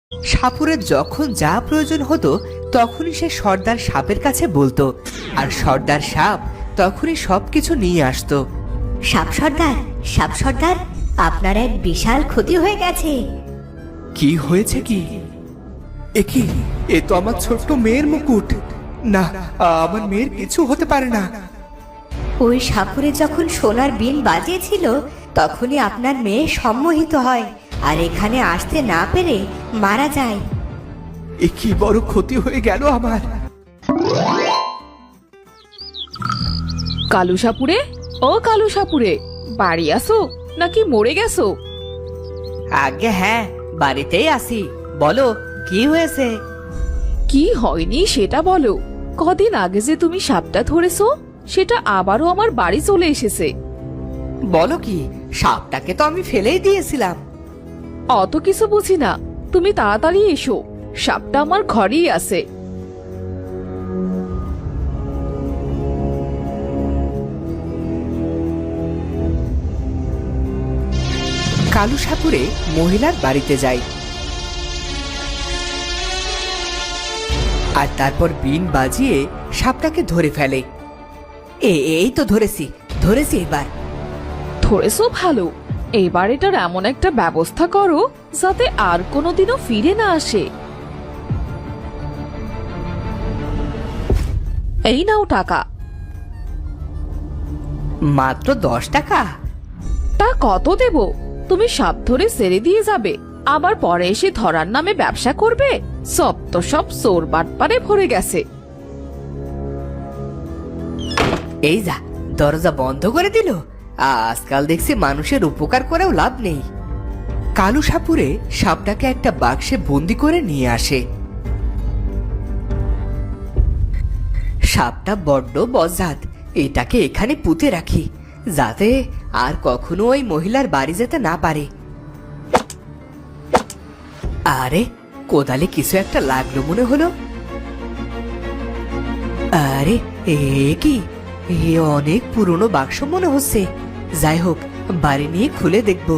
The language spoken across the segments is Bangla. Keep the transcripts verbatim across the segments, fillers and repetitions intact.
সাপুরের যখন যা প্রয়োজন হতো তখনই সে সর্দার সাপের কাছে বলতো, আর সর্দার সাপ তখনই সবকিছু নিয়ে আসতো। সাপ সর্দার, সাপ সর্দার, আপনার এক বিশাল ক্ষতি হয়ে গেছে। কি হয়েছে কি? এ কি? এ তো আমার ছোট্ট মেয়ের মুকুট। না, আমার মেয়ের কিছু হতে পারে না। ওই সাপুরে যখন সোনার বিন বাজিয়েছিল তখনই আপনার মেয়ে সম্মোহিত হয় আর এখানে আসতে না পেরে মারা যায়। এ কি বড় ক্ষতি হয়ে গেল আমার। কালু সাপুরে, ও কালু সাপুরে, বাড়ি আসো নাকি মরে গেছো? আগে হ্যাঁ, বাড়িতেই আসি। বলো কি হয়েছে? কি হয়নি সেটা বলো। কদিন আগে যে তুমি সাপটা ধরেছো সেটা আবারও আমার বাড়ি চলে এসেছে। বলো কি? সাপটাকে তো আমি ফেলেই দিয়েছিলাম। অত কিছু বুঝি না, তুমি তাড়াতাড়ি এসো, সাপটা আমার ঘরেই আছে। কালু সাপুরে মহিলার বাড়িতে যায় আর তারপর বিন বাজিয়ে সাপটাকে ধরে ফেলে। এ- এই তো ধরেছি, ধরেছি এবার। ধরেছো ভালো, এবার এটার এমন একটা ব্যবস্থা করো যাতে আর কোনোদিনও ফিরে না আসে। এই নাও টাকা। মাত্র দশ টাকা? তা কত দেব? তুমি সাপ ধরে ছেড়ে দিয়ে যাবে, আবার পরে এসে ধরার নামে ব্যবসা করবে? সব তো সব চোর বাটপারে ভরে গেছে। এই যা, দরজা বন্ধ করে দিল। আজকাল দেখছি মানুষের উপকার করেও লাভ নেই। কালু সাপুরে সাপটাকে একটা বাক্সে বন্দি করে নিয়ে আসে। সাপটা বড্ড বজ্জাত, এটাকে এখানে পুঁতে রাখি যাতে আর কখনো ওই মহিলার বাড়ি যেতে না পারে। আরে, কোদালে কিছু একটা লাগলো মনে হলো। আরে, এ কি? এ অনেক পুরনো বাক্স মনে হচ্ছে। যাই হোক, বাড়ি নিয়ে খুলে দেখব।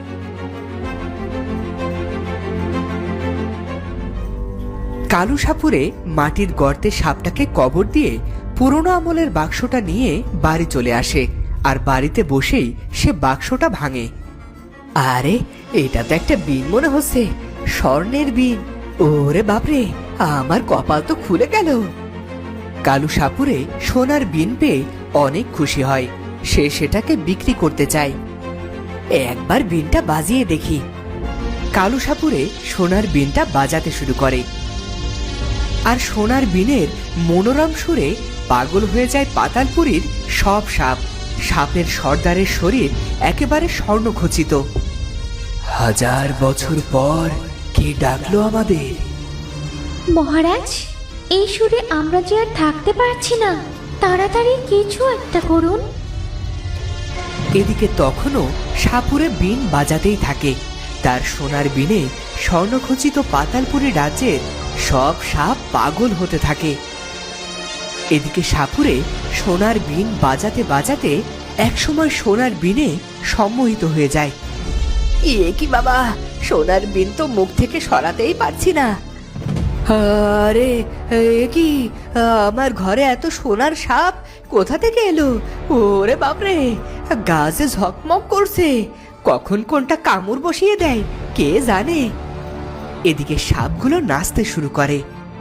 কালু সাপুরে মাটির গর্তে সাপটাকে কবর দিয়ে পুরনো আমলের বাক্সটা নিয়ে বাড়ি চলে আসে আর বাড়িতে বসেই সে বাক্সটা ভাঙে। আরে, এটা তো একটা বিন মনে হচ্ছে, স্বর্ণের বিন। ওরে বাপরে, আমার কপাল তো খুলে গেল। কালু সাপুরে সোনার বিন পেয়ে অনেক খুশি হয়। সে সেটাকে বিক্রি করতে চায়। একবার বিনটা বাজিয়ে দেখি। কালু সাপুরে সোনার বিনটা বাজাতে শুরু করে আর সোনার বিনের মনোরম সুরে পাগল হয়ে যায় পাতালপুরীর সব সাপ। সাপের সর্দারের শরীর একেবারে স্বর্ণখচিত। হাজার বছর পর কে ডাকলো আমাদের? মহারাজ, এই সুরে আমরা যে আর থাকতে পারছি না, তাড়াতাড়ি কিছু একটা করুন। এদিকে তখনও সাপুরে বিন বাজাতেই থাকে। তার সোনার বিনে স্বর্ণখচিত পাতালপুরী রাজ্যের সব সাপ পাগল হতে থাকে। এদিকে সাপুরে সোনার বিন বাজাতে বাজাতে একসময় সোনার বিনে সম্মোহিত হয়ে যায়। এ কি বাবা, সোনার বিন তো মুখ থেকে সরাতেই পারছি না। আরে, এ কি? আমার ঘরে এত সোনার সাপ কোথা থেকে এলো? ওরে বাপরে, গাছে ঝকমক করছে। কখন কোনটা কামড় বসিয়ে দেয় কে জানে। এদিকে সাপগুলো নাচতে শুরু করে।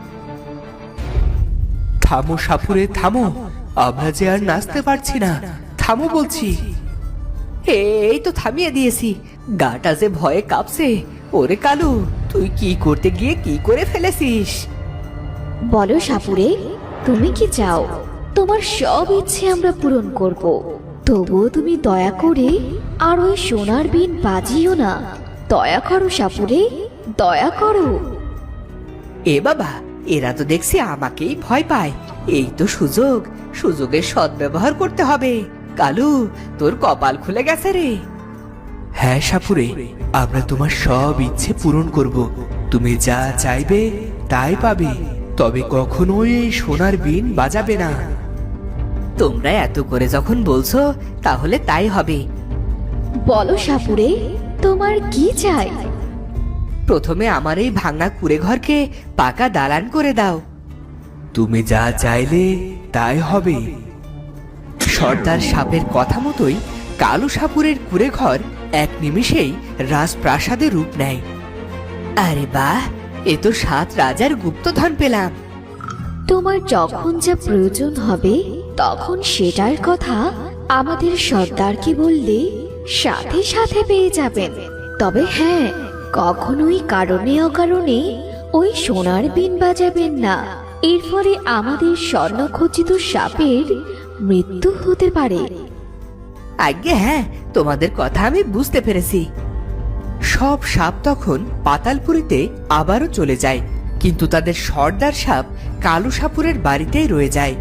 থামো সাপুরে, থামো, আমরা যে আর নাচতে পারছি না। থামো বলছি। এই তো থামিয়ে দিয়েছি, গাটা যে ভয়ে কাঁপছে। ওরে কালু, তুই কি করতে গিয়ে কি করে ফেলেছিস? বলো সাপুরে, তুমি কি চাও? তোমার সব ইচ্ছে আমরা পূরণ করব, তবুও তুমি দয়া করে আর ওই সোনার বিন বাজিও না। দয়া করো সাপুরে, দয়া করো। এ বাবা, এরা তো দেখছি আমাকেই ভয় পায়। এই তো সুযোগ, সুযোগের সদ্ব্যবহার করতে হবে। কালু, তোর কপাল খুলে গেছে রে। হ্যাঁ সাপুরে, আমরা তোমার সব ইচ্ছে পূরণ করব। তুমি যা চাইবে তাই পাবে, তবে কখনোই এই সোনার বিন বাজাবে না। তোমরা এত করে যখন বলছো তাহলে তাই হবে। বলো সাপুরে, তোমার কি চাই? প্রথমে আমার এই ভাঙা কুড়ে ঘরকে পাকা দালান করে দাও। তুমি যা চাইলে তাই হবে। সর্দার সাপের কথা মতোই কালু সাপুরের কুড়ে ঘর এক নিমিষেই রাজপ্রাসাদে রূপ নেয়। আরে বাহ, এ তো সাত রাজার গুপ্তধন পেলাম। তোমার যখন যা প্রয়োজন হবে তখন সেটার কথা আমাদের সর্দারকে বললে সাথে সাথে পেয়ে যাবেন। তবে হ্যাঁ, কখনোই কারণে অকারণে ওই সোনার বিন বাজাবেন না। এর ফলে আমাদের স্বর্ণখচিত সাপের মৃত্যু হতে পারে। আজ্ঞে হ্যাঁ, তোমাদের কথা আমি বুঝতে পেরেছি। সব সাপ তখন পাতালপুরীতে আবারও চলে যায়, কিন্তু তাদের সর্দার সাপ কালু সাপুরের বাড়িতেই রয়ে যায়।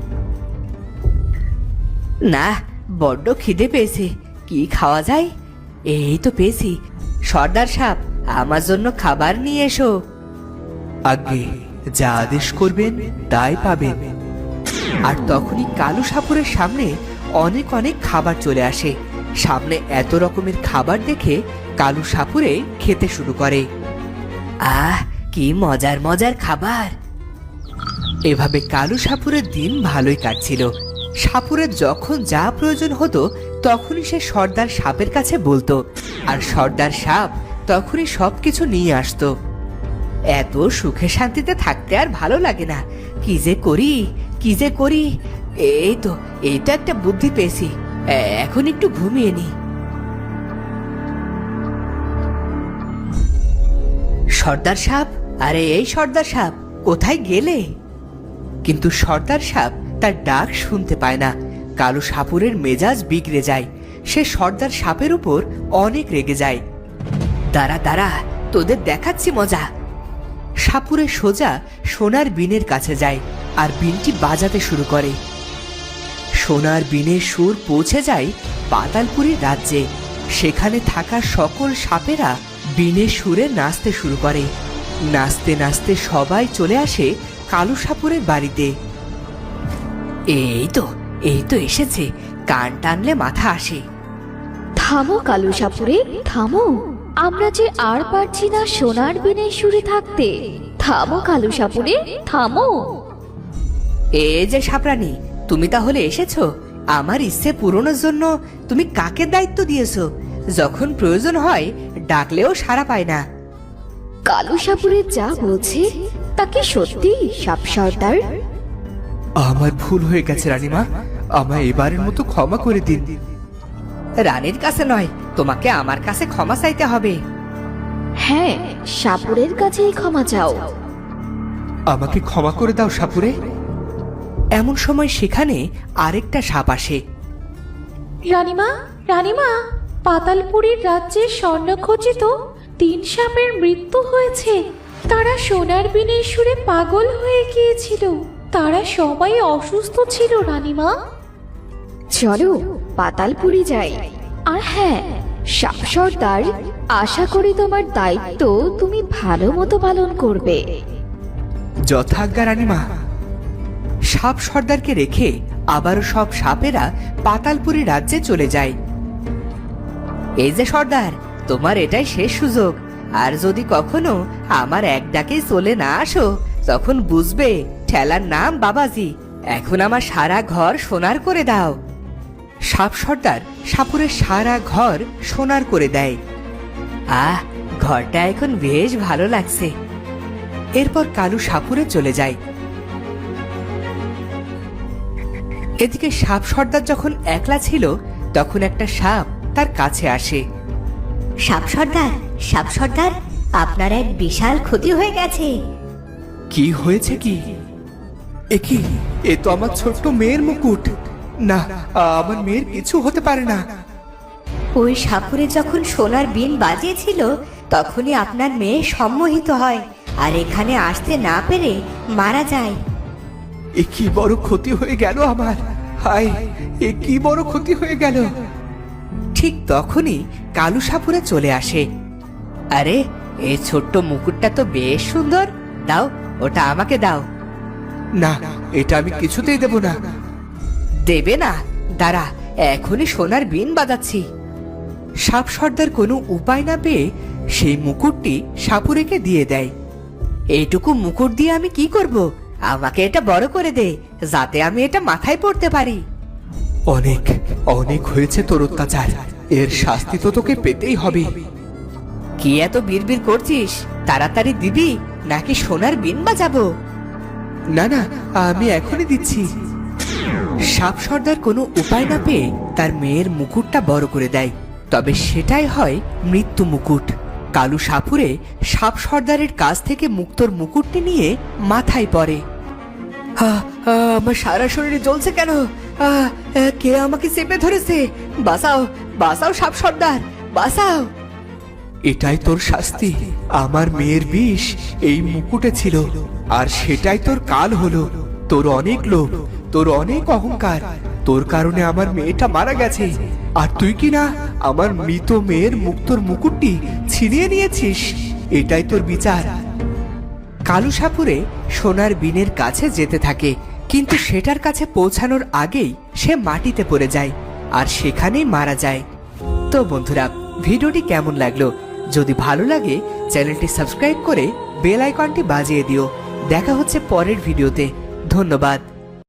না, বড্ড খিদে পেয়েছে, কি খাওয়া যায়? এই তো পেয়েছি। সর্দার সাপ, আমার জন্য খাবার নিয়ে এসো। আগে যা আদেশ করবেন তাই পাবেন। আর তখনই কালু সাপুরের সামনে অনেক অনেক খাবার চলে আসে। সামনে এত রকমের খাবার দেখে কালু সাপুরে খেতে শুরু করে। আহ, কি মজার মজার খাবার! এভাবে কালু সাপুরের দিন ভালোই কাটছিল। সাপুরের যখন যা প্রয়োজন হতো তখনই সে সর্দার সাপের কাছে বলতো, আর সর্দার সাপ তখনই সবকিছু নিয়ে আসতো। এত সুখে শান্তিতে থাকতে আর ভালো লাগে না। কি যে করি কি যে করি এই তো এই তো একটা বুদ্ধি পেয়েছি। এখন একটু ঘুমিয়ে নি। সর্দার সাপ, আরে এই সর্দার সাপ, কোথায় গেলে? কিন্তু সর্দার সাপ তার ডাক শুনতে পায় না। কালু সাপুরের মেজাজ বিগড়ে যায়। সে সর্দার সাপের উপর অনেক রেগে যায়। দাঁড়া দাঁড়া, তোদের দেখাচ্ছি মজা। সাপুরে সোজা সোনার বিনের কাছে যায় আর বিনটি বাজাতে শুরু করে। সোনার বিনের সুর পৌঁছে যায় পাতালপুরী রাজ্যে। সেখানে থাকা সকল সাপেরা বিনের সুরে নাচতে শুরু করে। নাচতে নাচতে সবাই চলে আসে কালু সাপুরের বাড়িতে। এই তো এই তো এসেছে, কান টানলে মাথা আসে। থামো কালু সাপুরে, থামো। আমরা যে আর পারছি না সোনার বিনের সুরে থাকতে। থামো কালু সাপুরে, থামো। এ যে সাপরানি, তুমি তাহলে এসেছো? আমার ইচ্ছে পূরণের জন্য তুমি কাকে দায়িত্ব দিয়েছো? যখন প্রয়োজন হয় ডাকলেও সাড়া পায় না। কালু সাপুরে যা বলছে তা কি সত্যি সাপ সর্দার? আমার ভুল হয়ে গেছে রানীমা, আমায় এবারের মতো ক্ষমা করে দিন। রানীর কাছে নয়, তোমাকে আমার কাছে ক্ষমা চাইতে হবে। হ্যাঁ, সাপুরের কাছেই ক্ষমা চাও। আমাকে ক্ষমা করে দাও সাপুরে। এমন সময় সেখানে আরেকটা সাপ আসে। রানীমা, রানীমা, পাতালপুরীর রাজ্যের স্বর্ণখচিত তিন সাপের মৃত্যু হয়েছে। তারা সোনার বিনের সুরে পাগল হয়ে গিয়েছিল। তারা সবাই অসুস্থ ছিল রানীমা। চলো পাতালপুরি যাই। আর হ্যাঁ সাপ সর্দার, আশা করি তোমার দায়িত্ব তুমি ভালো মতো পালন করবে। যথাজ্ঞা রানীমা। সাপ সর্দারকে রেখে আবারও সব সাপেরা পাতালপুরী রাজ্যে চলে যায়। এই যে সর্দার, তোমার এটাই শেষ সুযোগ। আর যদি কখনো আমার এক ডাকে চলে না আসো তখন বুঝবে ঠেলার নাম বাবাজি। এখন আমার সারা ঘর সোনার করে দাও। সাপ সর্দার সাপুরের সারা ঘর সোনার করে দেয়। আহ, ঘরটা এখন বেশ ভালো লাগছে। এরপর কালু সাপুরে চলে যায়। এদিকে সাপ সর্দার যখন একলা ছিল তখন একটা সাপ তার কাছে আসে। সাপ সর্দার, সাপ সর্দার, আপনার এক বিশাল ক্ষতি হয়ে গেছে। কি হয়েছে কি? এ কি? এ তো আমার ছোট্ট মেয়ের মুকুট। না, আমার মেয়ের কিছু হতে পারে না। ওই সাপুরে যখন সোনার বিন বাজিয়েছিল তখনই আপনার মেয়ে সম্মোহিত হয় আর এখানে আসতে না পেরে মারা যায়। এ কি বড় ক্ষতি হয়ে গেল আমার! হায়, এ কি বড় ক্ষতি হয়ে গেল! ঠিক তখনই কালু সাপুরে চলে আসে। আরে, এই ছোট্ট মুকুটটা তো বেশ সুন্দর। দাও, ওটা আমাকে দাও। না, এটা আমি কিছুতেই দেব না। দেবে না? দাঁড়া, এখনই সোনার বিন বাজাচ্ছি। সাপ সর্দার কোনো উপায় না পেয়ে সেই মুকুটটি সাপুরেকে দিয়ে দেয়। এইটুকু মুকুট দিয়ে আমি কি করব? আমাকে এটা বড় করে দে, যাতে আমি এটা মাথায় পড়তে পারি। অনেক অনেক হয়েছে তোর অত্যাচার, এর শাস্তি তো তোকে পেতেই হবে। কি এত বিড়বিড় করছিস? তাড়াতাড়ি দিবি নাকি সোনার বিন বাজাবো? না না, আমি এখনই দিচ্ছি। সাপ সর্দার কোনো উপায় না পেয়ে তার মেয়ের মুকুটটা বড় করে দেয়, তবে সেটাই হয় মৃত্যু মুকুট। কালু সাপুরে সাপ সর্দারের কাছ থেকে মুক্তোর মুকুটটি নিয়ে মাথায় পড়ে। আহ, আহ, আমার সারা শরীরে জ্বলছে কেন? আহ, আহ, কে আমাকে চেপে ধরেছে? বাঁচাও, বাঁচাও সাপ সর্দার, বাঁচাও। এটাই তোর শাস্তি। আমার মেয়ের বিষ এই মুকুটে ছিল, আর সেটাই তোর কাল হলো। তোর অনেক লোভ, তোর অনেক অহংকার, তোর কারণে আমার মেয়েটা মারা গেছে, আর তুই কি না আমার মৃত মেয়ের মুক্তোর মুকুটটি ছিনিয়ে নিয়েছিস। এটাই তোর বিচার। কালু সাপুরে সোনার বিনের কাছে যেতে থাকে, কিন্তু সেটার কাছে পৌঁছানোর আগেই সে মাটিতে পড়ে যায় আর সেখানেই মারা যায়। তো বন্ধুরা, ভিডিওটি কেমন লাগলো? যদি ভালো লাগে চ্যানেলটি সাবস্ক্রাইব করে বেল আইকনটি বাজিয়ে দিও। দেখা হচ্ছে পরের ভিডিওতে। ধন্যবাদ।